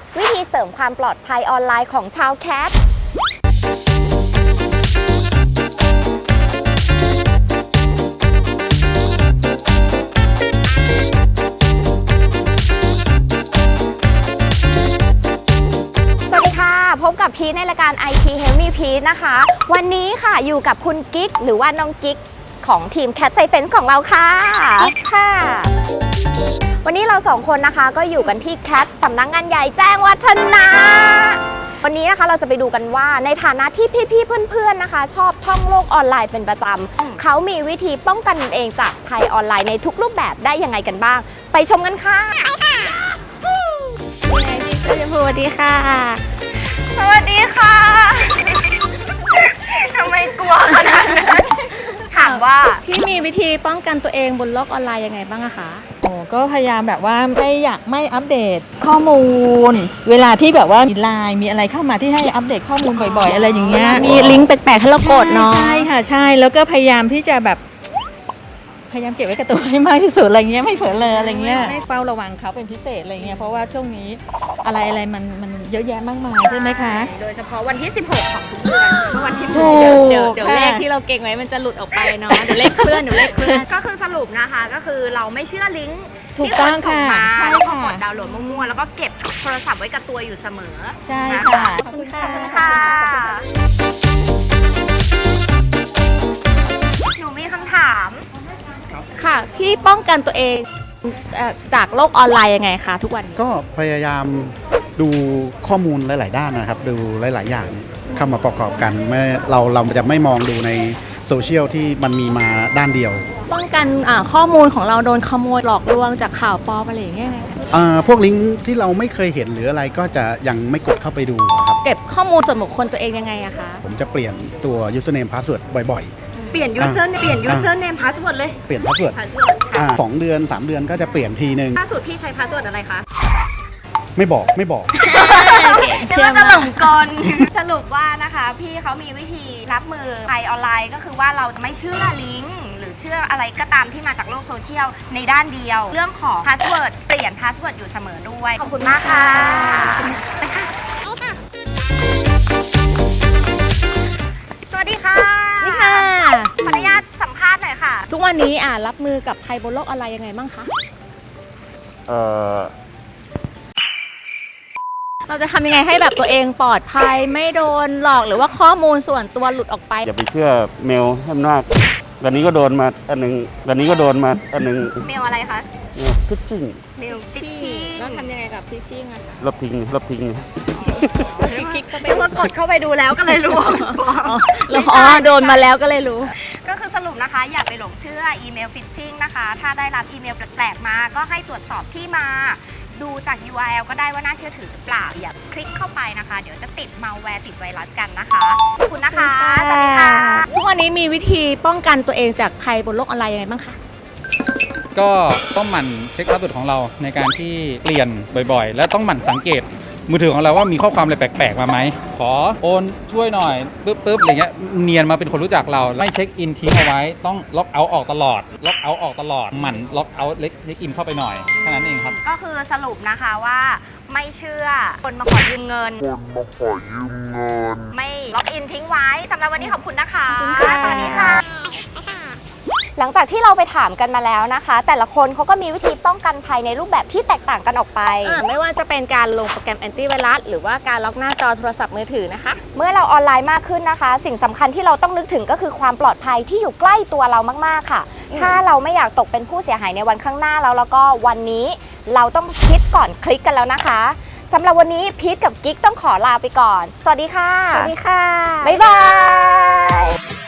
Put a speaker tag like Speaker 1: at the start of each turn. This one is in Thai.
Speaker 1: วิธีเสริมความปลอดภัยออนไลน์ของชาวแคทพบกับพีทในรายการ IT Help Me พีทนะคะวันนี้ค่ะอยู่กับคุณกิ๊กหรือว่าน้องกิ๊กของทีม Cat Science ของเราค่ะกิ๊กค่ะวันนี้เราสองคนนะคะก็อยู่กันที่ Cat สำนักงานใหญ่แจ้งวัฒนะวันนี้นะคะเราจะไปดูกันว่าในฐานะที่พี่ๆเพื่อนๆนะคะชอบท่องโลกออนไลน์เป็นประจำเขามีวิธีป้องกันตนเองจากภัยออนไลน์ในทุกรูปแบบได้ยังไงกันบ้างไปชมกันค่ะไปค่ะสวัสดีค่ะสวัสดีค่ะทำไมกลัวขนาดนั้นถามว่า
Speaker 2: พี่มีวิธีป้องกันตัวเองบนโลกออนไลน์ยังไงบ้างอะคะ
Speaker 3: ก็พยายามแบบว่าไม่อัปเดตข้อมูลเวลาที่แบบว่ามีไลน์มีอะไรเข้ามาที่ให้อัปเดตข้อมูลบ่อยๆอะไรอย่างเงี้ย
Speaker 2: มีลิงก์แปลกๆให้เรากดเนาะ
Speaker 3: ใช่ค่ะใช่แล้วก็พยายามที่จะแบบพยายามเก็บไว้กับตัวให้มากที่สุดอะไรเงี้ยไม่เผลอเลยอะไรเงี้ยเฝ้าระวังเขาเป็นพิเศษอะไรเงี้ยเพราะว่าช่วงนี้อะไรมันเยอะแยะมากมายใช่ไหมคะ
Speaker 1: โดยเฉพาะวันที่16ของทุกเดือนเมื่อวันที่
Speaker 2: เดี๋ยวเลขที่เราเก่งไว้มันจะหลุดออกไปเนาะเดี๋ยวเลขเคลื่อน
Speaker 1: ก็คือสรุปนะคะก็คือเราไม่เชื่อลิงก์
Speaker 3: ถูกต้องค่ะ
Speaker 1: ใช่ค่ะกดดาวน์โหลดมั่วๆแล้วก็เก็บโทรศัพท์ไว้กับตัวอยู่เสมอ
Speaker 3: ใช่ค่ะ
Speaker 1: ขอบคุณค่ะหนูมีคำถาม
Speaker 2: ค่ะพี่ป้องกันตัวเองจากโลกออนไลน์ยังไงคะทุกวัน
Speaker 4: ก็พยายามดูข้อมูลหลายๆด้านนะครับดูหลายๆอย่างเข้ามาประกอบกันเราจะไม่มองดูในโซเชียลที่มันมีมาด้านเดียว
Speaker 2: ป้องกันข้อมูลของเราโดนขโมยหลอกลวงจากข่าวปลอมอะไรอย่างเงี้ย
Speaker 4: พวกลิงก์ที่เราไม่เคยเห็นหรืออะไรก็จะยังไม่กดเข้าไปดูครับ
Speaker 2: เก็บข้อมูลส่วนบุคคลตัวเองยังไงอะคะ
Speaker 4: ผมจะเปลี่ยนตัว username password บ่อยๆ
Speaker 1: เปลี่ยน username password เลย
Speaker 4: เปลี่ยน password 2 เดือน 3 เดือนก็จะเปลี่ยนทีนึง
Speaker 1: ล่าสุดพี่ใช้ password อะไรคะ
Speaker 4: ไม่บอก
Speaker 1: เดี๋ยวจะหลงกลสรุปว่านะคะพี่เขามีวิธีรับมือภัยออนไลน์ก็คือว่าเราจะไม่เชื่อลิงก์หรือเชื่ออะไรก็ตามที่มาจากโลกโซเชียลในด้านเดียวเรื่องของ password เปลี่ยน password อยู่เสมอด้วยขอบคุณมากค่ะไปค่ะสวัสดีค่ะขออนุญาตสัมภาษณ์หน่อยค่ะ
Speaker 2: ทุกวันนี้รับมือกับภัยบนโลกออนไลน์ยังไงบ้างคะเราจะทำยังไงให้แบบตัวเองปลอดภัยไม่โดนหลอกหรือว่าข้อมูลส่วนตัวหลุดออกไป
Speaker 5: อย่าไปเชื่อเมลให้มากวันนี้ก็โดนมาอันหนึ่งเม
Speaker 1: ลอะไรคะ
Speaker 5: ฟิชชิ่ง
Speaker 1: เมลฟิชชิ่ง
Speaker 2: แล้วทำยังไงกับฟิชชิ่งอะคะ
Speaker 5: ลบทิ้ง
Speaker 1: คลิกก็ไม่กดเข้าไปดูแล้วก็เลยรู้
Speaker 2: โดนมาแล้วก็เลยรู้
Speaker 1: ก็คือสรุปนะคะอย่าไปหลงเชื่ออีเมลฟิชชิ่งนะคะถ้าได้รับอีเมลแปลกๆมาก็ให้ตรวจสอบที่มาดูจาก URL ก็ได้ว่าน่าเชื่อถือหรือเปล่าอย่าคลิกเข้าไปนะคะเดี๋ยวจะติดมัลแวร์ติดไวรัสกันนะคะขอบคุณนะคะสวัสดีค่ะ
Speaker 2: ทุกวันนี้มีวิธีป้องกันตัวเองจากภัยบนโลกออนไลน์ยังไงบ้างคะ
Speaker 6: ก็ต้องหมั่นเช็คพาสเวิร์ดของเราในการที่เปลี่ยนบ่อยๆและต้องหมั่นสังเกตมือถือของเราว่ามีข้อความอะไรแปลกๆมาไหมขอโอนช่วยหน่อยปึ๊บอะไรเงี้ยเนียนมาเป็นคนรู้จักเราไม่เช็คอินทิ้งเอาไว้ต้องล็อกเอาท์ออกตลอดหมั่นล็อกเอาท์เล็กอินเข้าไปหน่อยแค่นั้นเองครับ
Speaker 1: ก็คือสรุปนะคะว่าไม่เชื่อคนมาขอยืมเงินไม่ล็อกอินทิ้งไว้สำหรับวันนี้ขอบคุณนะคะสวัสดีค่ะหลังจากที่เราไปถามกันมาแล้วนะคะแต่ละคนเขาก็มีวิธีป้องกันภัยในรูปแบบที่แตกต่างกันออกไป
Speaker 2: ไม่ว่าจะเป็นการลงโปรแกรมแอนตี้ไวรัสหรือว่าการล็อกหน้าจอโทรศัพท์มือถือนะคะ
Speaker 1: เมื่อเราออนไลน์มากขึ้นนะคะสิ่งสำคัญที่เราต้องนึกถึงก็คือความปลอดภัยที่อยู่ใกล้ตัวเรามากๆค่ะถ้าเราไม่อยากตกเป็นผู้เสียหายในวันข้างหน้าแล้วก็วันนี้เราต้องคิดก่อนคลิกกันแล้วนะคะสำหรับวันนี้พีทกับกิ๊กต้องขอลาไปก่อนสวัสดีค่ะ
Speaker 2: สวัสดีค่ะ
Speaker 1: บ๊ายบาย